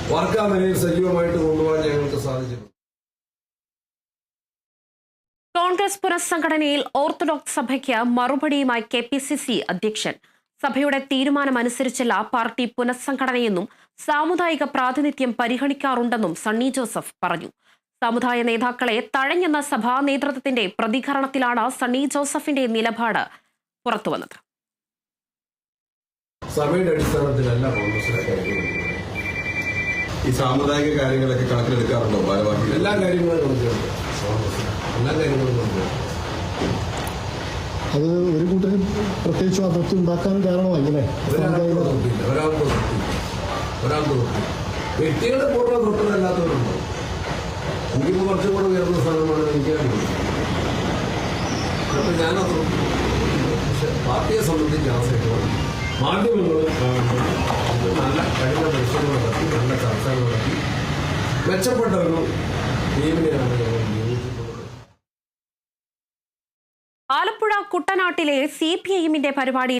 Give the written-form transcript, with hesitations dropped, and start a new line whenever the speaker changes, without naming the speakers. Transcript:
Work ആ നിലയിൽ സജീവമായിട്ട് കൊണ്ടുപോകാൻ ഞങ്ങൾക്ക് സാധിച്ചിട്ടുണ്ട്.
കോൺഗ്രസ് പുനഃസംഘടനയിൽ ഓർത്തഡോക്സ് സഭയ്ക്ക് മറുപടിയുമായി KPCC അധ്യക്ഷൻ. സഭയുടെ തീരുമാനമനുസരിച്ചല്ല പാർട്ടി പുനഃസംഘടനയെന്നും സാമുദായിക പ്രാതിനിധ്യം പരിഗണിക്കാറുണ്ടെന്നും സണ്ണി ജോസഫ് പറഞ്ഞു. സമുദായ നേതാക്കളെ തഴഞ്ഞെന്ന സഭാ നേതൃത്വത്തിന്റെ പ്രതികരണത്തിലാണ് സണ്ണി ജോസഫിന്റെ നിലപാട് പുറത്തുവന്നത്.
സഭയുടെ അടിസ്ഥാനത്തിലല്ല കോൺഗ്രസിലെ കാര്യങ്ങൾ.
ഈ സാമുദായിക കാര്യങ്ങളൊക്കെ കണക്കിലെടുക്കാറുണ്ടോ ഭാരവാഹികൾ?
എല്ലാ കാര്യങ്ങളും കണക്കിലെടുക്കും. എല്ലാ കാര്യങ്ങളും കണക്കിലെടുക്കും.
അത് ഒരു കൂട്ടരും പ്രത്യേകിച്ച് അതിർത്തി ഉണ്ടാക്കാൻ കാരണമായില്ലേ?
ഒരാൾക്ക് വ്യക്തികളുടെ പൂർണ്ണ തൊട്ടതല്ലാത്തവരുണ്ടോ? എനിക്കിപ്പോൾ കുറച്ചും കൂടെ ഉയർന്ന സ്ഥാനമാണ് എനിക്കറിയുന്നത്. അപ്പോൾ ഞാനത് പക്ഷെ പാർട്ടിയെ സംബന്ധിച്ച് ആ സൈറ്റോട് മാധ്യമങ്ങൾ നല്ല കഴിഞ്ഞ പരിശ്രമം നടത്തി, നല്ല ചർച്ചകൾ നടത്തി, മെച്ചപ്പെട്ട ഒരു ടീമിനെയാണ് ഞങ്ങൾ നിയോഗിച്ചിട്ടുള്ളത്.
ആലപ്പുഴ കുട്ടനാട്ടിലെ CPIM പരിപാടി